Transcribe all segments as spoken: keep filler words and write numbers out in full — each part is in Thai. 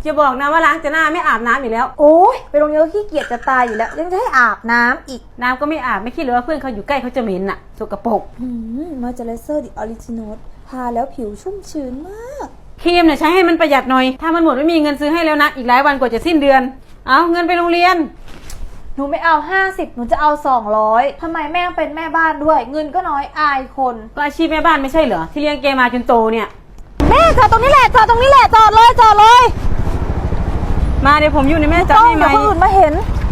อย่าบอกนะว่าล้างแต่หน้าไม่อาบน้ำอีกแล้วโอ้ยไปโรงเรียนขี้เกียจจะตายอยู่แล้วยังจะให้อาบน้ำอีกน้ำก็ไม่อาบไม่คิดเลยว่าเพื่อนเขาอยู่ใกล้เขาจะเหม็นน่ะสกปรกมอยเจอไรเซอร์ดิออริจินอลทาแล้วผิวชุ่มชื้นมากครีมเนี่ยใช้ให้มันประหยัดหน่อยถ้ามันหมดไม่มีเงินซื้อให้แล้วนะอีกหลายวันกว่าจะสิ้นเดือนเอาเงินไปโรงเรียนหนูไม่เอาห้าสิบหนูจะเอาสองร้อยทำไมแม่เป็นแม่บ้านด้วยเงินก็น้อยอายคนก็อาชีพแม่บ้านไม่ใช่เหรอที่เลี้ยงแกมาจนโตเนี่ยแม่จอดตรงนี้แหละจอดตรงนี้แหละจอดเลยจอดเลยมาเดี๋ยวผมอยู่ในแม่จับให้ไหมเดี๋ยวคนอื่นมาเห็น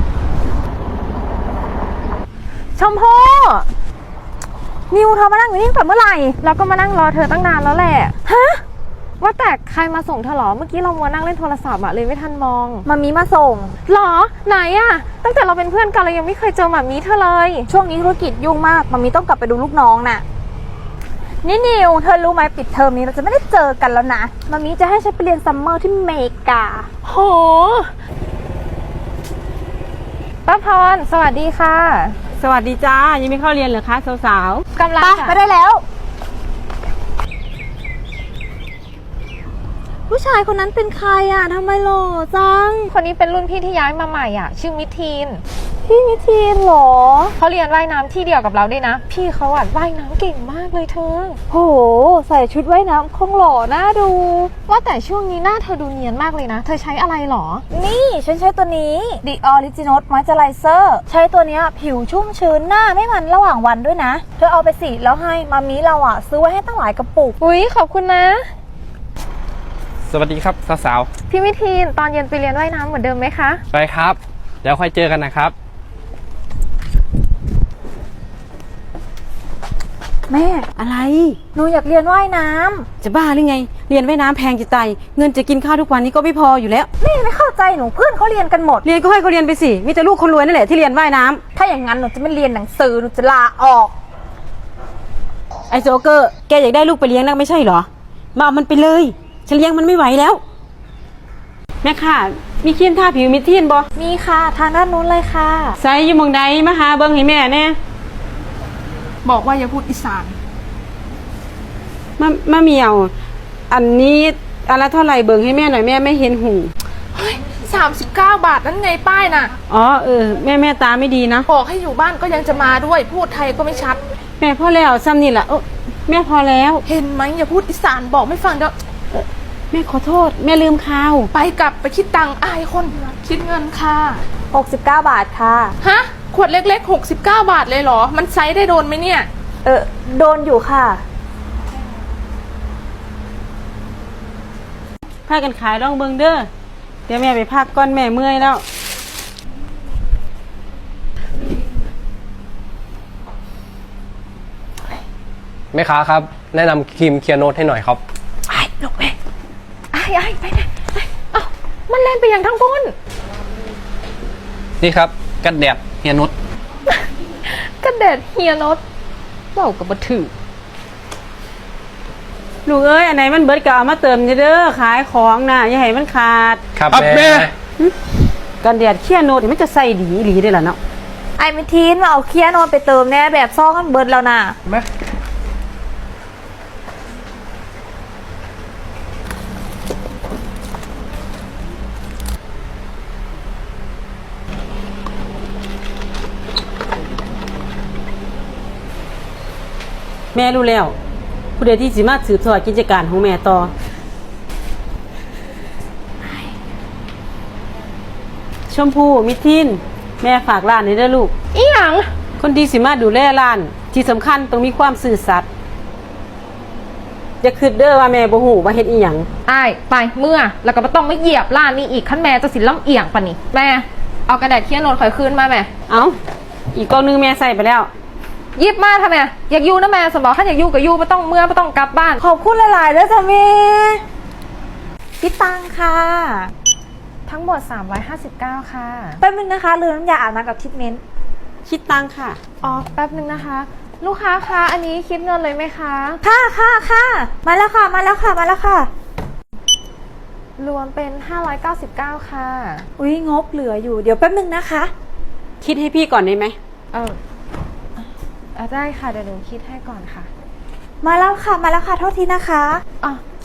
ชมพู่นิวเธอมานั่งอยู่นี่ก่อนเมื่อไหร่เราก็มานั่งรอเธอตั้งนานแล้วแหละฮะว่าแต่ใครมาส่งเธอหรอเมื่อกี้เรามัวนั่งเล่นโทรศัพท์อะเลยไม่ทันมองมามีมาส่งหรอไหนอะตั้งแต่เราเป็นเพื่อนกันเรายังไม่เคยเจอมามีเธอเลยช่วงนี้ธุรกิจยุ่งมากมามีต้องกลับไปดูลูกน้องน่ะนี่นิวเธอรู้ไหมปิดเทอมนี้เราจะไม่ได้เจอกันแล้วนะมามีจะให้ฉันไปเรียนซัมเมอร์ที่เมกาโหป้าพรสวัสดีค่ะสวัสดีจ้ายังไม่เข้าเรียนเหรอคะสาวๆกำลังไปได้แล้วผู้ชายคนนั้นเป็นใครอ่ะทำไมหล่อจังคนนี้เป็นรุ่นพี่ที่ย้ายมาใหม่อ่ะชื่อมิทีนพี่มิทีนหรอเขาเรียนว่ายน้ำที่เดียวกับเราด้วยนะพี่เขาอ่ะว่ายน้ำเก่งมากเลยเธอโหใส่ชุดว่ายน้ำคงหล่อน่าดูว่าแต่ช่วงนี้หน้าเธอดูเนียนมากเลยนะเธอใช้อะไรหรอนี่ฉันใช้ตัวนี้ The Original Moisturizer ใช้ตัวนี้ผิวชุ่มชื้นหน้าไม่มันระหว่างวันด้วยนะเธอเอาไปสิแล้วให้มามีเราอ่ะซื้อไว้ให้ตั้งหลายกระปุกอุ๊ยขอบคุณนะสวัสดีครับสาวๆพี่มิทีนตอนเย็นไปเรียนว่ายน้ำเหมือนเดิมไหมคะไปครับเดี๋ยวค่อยเจอกันนะครับแม่อะไรหนูอยากเรียนว่ายน้ำจะบ้าหรือไงเรียนว่ายน้ำแพงจะตายเงินจะกินข้าวทุกวันนี้ก็ไม่พออยู่แล้วแม่ไม่เข้าใจหนูเพื่อนเขาเรียนกันหมดเรียนก็ให้เขาเรียนไปสิมีแต่ลูกคนรวยนั่นแหละที่เรียนว่ายน้ำถ้าอย่างนั้นหนูจะไม่เรียนหนังสือหนูจะลาออกไอโจ๊กเกอร์แกอยากได้ลูกไปเลี้ยงนักไม่ใช่เหรอมาเอามันไปเลยฉันเลี้ยงมันไม่ไหวแล้วแม่ค่ะมีครีมทาผิวมิทีนบ่มีค่ะทางด้านนู้นเลยค่ะใส่อยู่มองใดมาหาเบิ้งให้แม่แน่บอกว่าอย่าพูดอีสานมามาเมียวอันนี้อะไรเท่าไหร่เบิ้งให้แม่หน่อยแม่ไม่เห็นหูเฮ้ยสามสิบเก้าบาทนั่นไงป้ายน่ะอ๋อเออแม่แม่ตาไม่ดีนะบอกให้อยู่บ้านก็ยังจะมาด้วยพูดไทยก็ไม่ชัดแม่พอแล้วซ้ำนี่แหละเออแม่พอแล้วเห็นไหมอย่าพูดอีสานบอกไม่ฟังเดี๋ยวแม่ขอโทษแม่ลืมข้าวไปกลับไปคิดตังค์อายคนคิดเงินค่ะหกสิบเก้าบาทค่ะฮะขวดเล็กๆหกสิบเก้าบาทเลยเหรอมันไซส์ได้โดนไหมเนี่ยเออโดนอยู่ค่ะพากันขายลองเบิ่งเด้อเดี๋ยวแม่ไปพักก่อนแม่เมื่อยแล้วแม่ค้าครับแนะนำครีมเคลียร์โนตให้หน่อยครับไอ้ลูกแม่ไอ้ไอ้ไปไหนเอ้ามันเล่นไปอย่างทั้งพ้นนี่ครับกันแดดเฮียนุชกันแดดเฮียนุชเบากับบัถือลูกเอ้ยอันไหนมันเบิดก็เอามาเติมเด้อขายของน่ะอย่าให้มันขาดครับแม่กันแดดเคลียร์โนตมันจะใส่ดีหลีได้ล่ะเนาะไอ้มิทีนมาเอาเคลียร์โนตไปเติมแน่แบบซ่องมันเบิดแล้วน่ะแม่แม่รู้แล้วผู้ใดที่สิมาสืบทอดกิจการของแม่ต่อชมพู่มิทินแม่ฝากร้านนี้ด้วยลูกอีหยังคนดีสิมาดูแลร้านที่สำคัญต้องมีความซื่อสัตย์อย่าคิดเด้อว่าแม่บ่ฮู้ว่าเฮ็ดอีหยังอ้ายไปเมื่อแล้วก็บ่ต้องมาเหยียบร้านนี้อีกขั้นแม่จะสิล้ำเอียงปะนี่แม่เอากระดาษเขียนโน้ตข่อยคืนมาแม่เอาอีกกล่องนึงแม่ใส่ไปแล้วยิบมาทำไมอยากอยู่นะแม่สมบอกถ้าอยากอยู่ก็อยู่ไม่ต้องเมื่อไม่ต้องกลับบ้านขอบคุณหลายๆด้วยจ้ะแม่พี่ตังค่ะทั้งหมดสามร้อยห้าสิบเก้าค่ะแป๊บนึงนะคะลืมน้ำยาอาบน้ำกับทิปเมนต์คิดตังค่ะอ๋อแป๊บนึงนะคะลูกค้าคะอันนี้คิดเงินเลยไหมคะค่ะค่ะค่ะมาแล้วค่ะมาแล้วค่ะมาแล้วค่ะรวมเป็นห้าร้อยเก้าสิบเก้าค่ะอุ้ยงบเหลืออยู่เดี๋ยวแป๊บนึงนะคะคิดให้พี่ก่อนได้ไหมเออได้ค่ะเดี๋ยวหนูคิดให้ก่อนค่ะมาแล้วค่ะมาแล้วค่ะโทษทีนะคะอ๋อ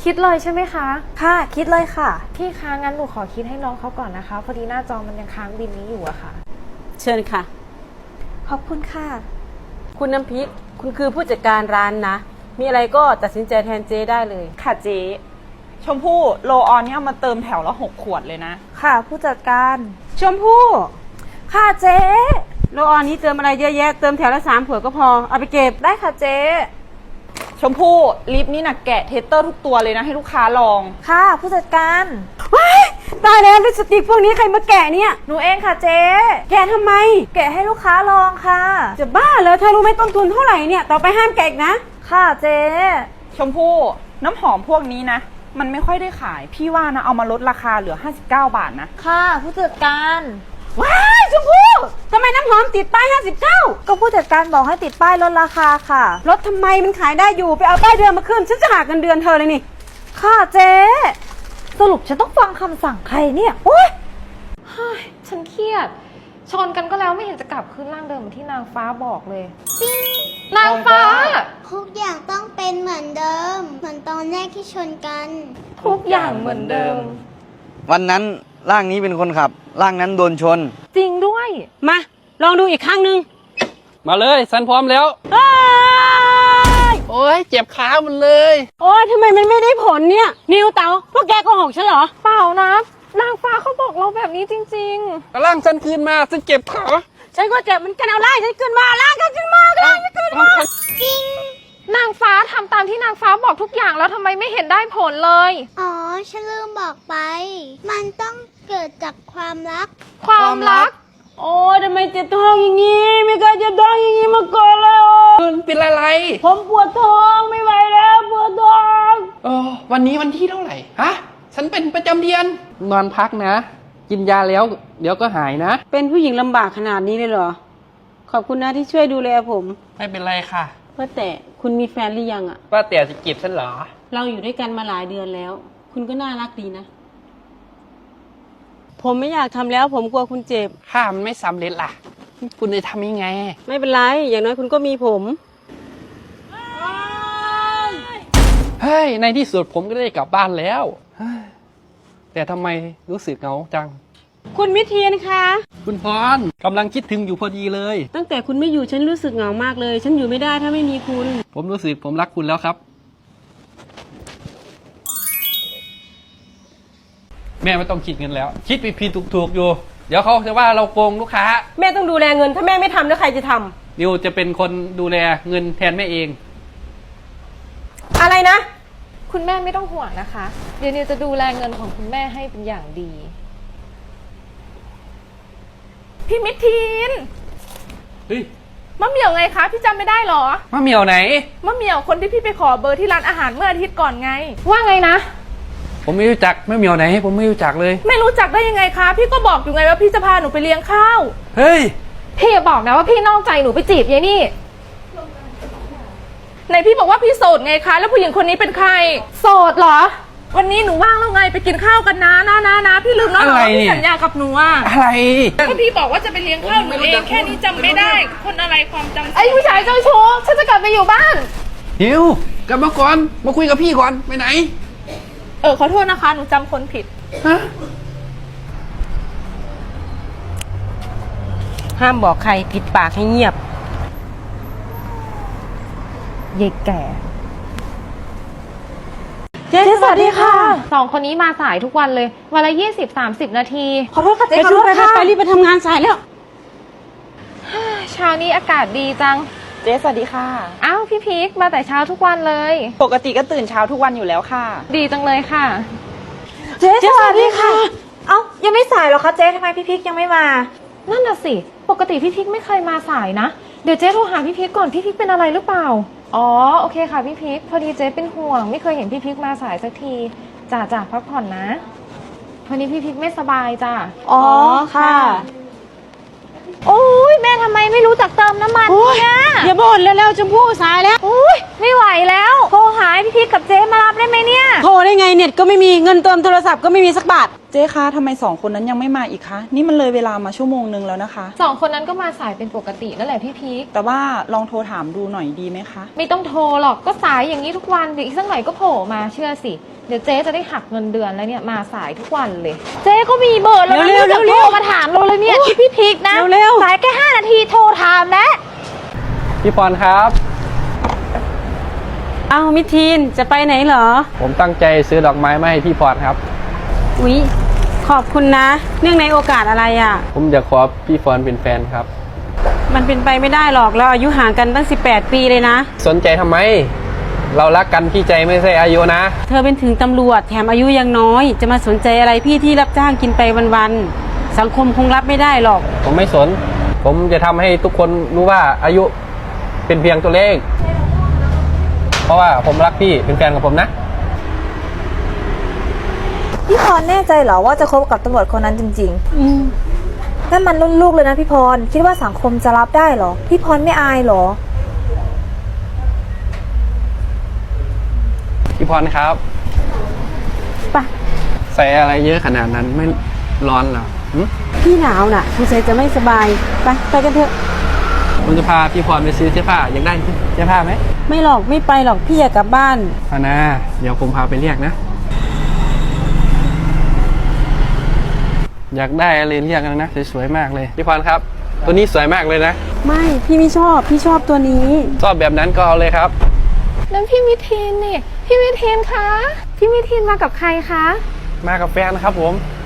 คิดเลยใช่ไหมคะค่ะ คิดเลยค่ะพี่คะงั้นหนูขอคิดให้น้องเขาก่อนนะคะพอดีหน้าจอมันยังค้างบินนี้อยู่อะค่ะเชิญค่ะขอบคุณค่ะคุณน้ำพริก คุณคือผู้จัดการร้านนะ มีอะไรก็ตัดสินใจแทนเจ๊ได้เลยค่ะเจ๊ชมพู่โลออนเนี่ยเอามาเติมแถวละหกขวดเลยนะค่ะผู้จัดการชมพู่ค่ะเจ๊โลออนนี้เติมอะไรเยอะแยะ เติมแถวละสามขวดก็พอ เอาไปเก็บได้ค่ะเจ๊ชมพู่ลิปนี่นะแกะเทสเตอร์ทุกตัวเลยนะให้ลูกค้าลองค่ะผู้จัดการว้ายตายแล้วลิปสติกพวกนี้ใครมาแกะเนี่ยหนูเองค่ะเจ๊แกะทำไมแกะให้ลูกค้าลองค่ะจะบ้าเหรอเธอรู้ไหมต้นทุนเท่าไหร่เนี่ย ต่อไปห้ามแกะอีกนะค่ะเจ๊ชมพู่น้ำหอมพวกนี้นะ มันไม่ค่อยได้ขาย พี่ว่านะเอามาลดราคาเหลือห้าสิบเก้าบาทนะค่ะผู้จัดการว้ายชมพู่ทำไมน้ำหอมติดป้ายห้าสิบเก้าก็ผู้จัดการบอกให้ติดป้ายลดราคาค่ะลดทำไมมันขายได้อยู่ ไปเอาป้ายเดือนมาขึ้น ฉันจะหักเงินเดือนเธอเลยนี่ค่ะเจ๊สรุปฉันต้องฟังคำสั่งใครเนี่ยโอ๊ยเฮ้ยฉันเครียด ชนกันก็แล้วไม่เห็นจะกลับคืนร่างเดิมเหมือนที่นางฟ้าบอกเลย นางฟ้าทุกอย่างต้องเป็นเหมือนเดิม เหมือนตอนแรกที่ชนกันทุกอย่างเหมือนเดิมวันนั้นร่างนี้เป็นคนขับ ร่างนั้นโดนชนจริงด้วยมา ลองดูอีกครั้งหนึ่งมาเลยฉันพร้อมแล้วเอ้ยโอ้ยเจ็บขาหมันเลยโอ้ยทำไมมันไม่ได้ผลเนี่ย นิวเต๋าพวกแกโกหกฉันเหรอเปล่านะ นางฟ้าเขาบอกเราแบบนี้จริงกำลังฉันคืนมาฉันเจ็บขาฉันก็เจ็บเหมันกันเอาไล่ฉันขึ้นมาล่างกันขึ้นมาล่างกันขึ้นมาๆ นางฟ้าทำตามที่นางฟ้าบอกทุกอย่างแล้วทำไมไม่เห็นได้ผลเลยอ๋อ ฉันลืมบอกไป มันต้องเกิดจากความรักความรักโอ้ยทำไมเจ็บท้องอย่างนี้ ไม่เคยเจ็บท้องอย่างนี้มาก่อนเลยโอ้ยเป็นอะไรผมปวดท้องไม่ไหวแล้วปวดท้องเออวันนี้วันที่เท่าไหร่ ฮะ ฉันเป็นประจำเดือน นอนพักนะ กินยาแล้ว เดี๋ยวก็หายนะเป็นผู้หญิงลำบากขนาดนี้เลยเหรอ ขอบคุณนะที่ช่วยดูแลผมไม่เป็นไรค่ะว่าแต่คุณมีแฟนหรือยังอะว่าแต่จะจีบฉันเหรอเราอยู่ด้วยกันมาหลายเดือนแล้ว คุณก็น่ารักดีนะ ผมไม่อยากทำแล้วผมกลัวคุณเจ็บถ้ามันไม่สำเร็จล่ะ คุณจะทำยังไงไม่เป็นไร อย่างน้อยคุณก็มีผมเฮ้ย ในที่สุดผมก็ได้กลับบ้านแล้วเฮ้ยแต่ทำไมรู้สึกเหงาจังคุณมิทีนคะคุณพรกำลังคิดถึงอยู่พอดีเลยตั้งแต่คุณไม่อยู่ฉันรู้สึกเหงามากเลย ฉันอยู่ไม่ได้ถ้าไม่มีคุณผมรู้สึกผมรักคุณแล้วครับ แม่ไม่ต้องคิดเงินแล้ว คิดผิดผิดถูกถูกๆอยู่ เดี๋ยวเขาจะว่าเราโกงลูกค้าแม่ต้องดูแลเงิน ถ้าแม่ไม่ทำแล้วใครจะทำนิวจะเป็นคนดูแลเงินแทนแม่เองอะไรนะคุณแม่ไม่ต้องห่วงนะคะ เดี๋ยวนิวจะดูแลเงินของคุณแม่ให้เป็นอย่างดีพี่มิทีนเฮ้ยมะเหมี่ยวไงคะ พี่จำไม่ได้เหรอมะเหมียวไหนมะเหมี่ยวคนที่พี่ไปขอเบอร์ที่ร้านอาหารเมื่ออาทิตย์ก่อนไงว่าไงนะผมไม่รู้จักมะเหมียวไหน ผมไม่รู้จักเลยไม่รู้จักได้ยังไงคะ พี่ก็บอกอยู่ไงว่าพี่จะพาหนูไปเลี้ยงข้าวเฮ้ยพี่อย่าบอกนะว่าพี่นอกใจหนูไปจีบยายนี่ไหนพี่บอกว่าพี่โสดไงคะ แล้วผู้หญิงคนนี้เป็นใครโสดเหรอวันนี้หนูว่างแล้วไงไปกินข้าวกันนะนะนะนะพี่ลืมแล้วเหรออะไรว่าเนี่พี่ยสัญญากับหนูอ่ะอะไรก็พี่บอกว่าจะไปเลี้ยงข้าวหนูเองแค่นี้จำไม่ได้ คนอะไรความจำไอ้ผู้ชายเจ้าชู้ฉันจะกลับไปอยู่บ้านนิวกลับมาก่อน มาคุยกับพี่ก่อน ไปไหนเออขอโทษนะคะ หนูจำคนผิดฮะห้ามบอกใครปิดปากให้เงียบยายแก่เจ๊สวัสดีค่ะสองคนนี้มาสายทุกวันเลย วันละยี่สิบสามสิบนาทีขอโทษค่ะไปเจ๊ขอชุโทบษไปไปค่ะไปรีบไปทำงานสายแล้วเช้านี้อากาศดีจังเจ๊สวัสดีค่ะอ้าวพี่พีคมาแต่เช้าทุกวันเลยปกติก็ตื่นเช้าทุกวันอยู่แล้วค่ะดีจังเลยค่ะเจ๊สวัสดีค่ะ เอ้ายังไม่สายเหรอคะเจ๊ทำไมพี่พิกยังไม่มานั่นน่ะสิ ปกติพี่พิกไม่เคยมาสายนะ เดี๋ยวเจ๊โทรหาพี่พิกก่อน พี่พิกเป็นอะไรหรือเปล่า อ๋อ โอเคค่ะพี่พิก พอดีเจ๊เป็นห่วง ไม่เคยเห็นพี่พิกมาสายสักทีจ่าจ่าพักผ่อนนะวันนี้พี่พิกไม่สบายจ้ะอ๋อค่ะ โอ้ยแม่ทำไมไม่รู้จักเติมน้ำมันเนี่ยอย่าบ่นแล้วแล้วชมพู่สายแล้วอุ้ยไม่ไหวแล้ว โทรหาพี่พิกกับเจ๊มารับได้ไหมเนี่ยโทรได้ไงเน็ตก็ไม่มีเงินเติมโทรศัพท์ก็ไม่มีสักบาทเจ๊คะทำไมสองคนนั้นยังไม่มาอีกคะ นี่มันเลยเวลามาชั่วโมงนึงแล้วนะคะสองคนนั้นก็มาสายเป็นปกตินั่นแหละพี่พีคแต่ว่าลองโทรถามดูหน่อยดีไหมคะไม่ต้องโทรหรอกก็สายอย่างนี้ทุกวันเดี๋ยวอีกสักหน่อยก็โผล่มาเชื่อสิเดี๋ยวเจ๊จะได้หักเงินเดือนแล้วเนี่ยมาสายทุกวันเลยเจ๊ก็มีเบอร์แล้วนะเร็วๆนี่จะเร็โทวรๆมาถามเราเลยเนี่ยที่พี่พิกนะเร็วๆสายแค่ห้านาทีโทรถามแล้วพี่พรครับเอามิทีนจะไปไหนเหรอผมตั้งใจซื้อดอกไม้มาให้พี่พรครับอุ๊ยขอบคุณนะ เนื่องในโอกาสอะไรอะ่ะผมอยากขอพี่พรเป็นแฟนครับมันเป็นไปไม่ได้หรอกเราอายุห่างกันตั้งสิบแปดปีเลยนะสนใจทำไม เรารักกันที่ใจไม่ใช่อายุนะเธอเป็นถึงตำรวจแถมอายุยังน้อย จะมาสนใจอะไรพี่ที่รับจ้างกินไปวันๆสังคมคงรับไม่ได้หรอกผมไม่สน ผมจะทำให้ทุกคนรู้ว่าอายุเป็นเพียงตัวเลข เพราะว่าผมรักพี่เป็นแฟนกับผมนะพี่พรแน่ใจเหรอว่าจะคบกับตำรวจคนนั้นจริงอืมๆนั่นมันรุ่นลูกเลยนะพี่พรคิดว่าสังคมจะรับได้เหรอ พี่พรไม่อายเหรอพี่พรครับไปใส่อะไรเยอะขนาดนั้นไม่ร้อนเหรอหึพี่หนาวน่ะสงสัยจะไม่สบายไปไปกันเถอะผมจะพาพี่พรไปซื้อเสื้อผ้าอยากได้เสื้อผ้าไหมไม่หรอกไม่ไปหรอกพี่อยากกลับบ้านเอานะเดี๋ยวผมพาไปเรียกนะ อยากได้อะไรเรียกกันนะสวยๆมากเลยพี่พรครับ ตัวนี้สวยมากเลยนะไม่พี่ไม่ชอบพี่ชอบตัวนี้ชอบแบบนั้นก็เอาเลยครับนั่นพี่มิทีนนี่พี่มิทีนคะพี่มิทีนมากับใครคะมากับแฟนนะครับผม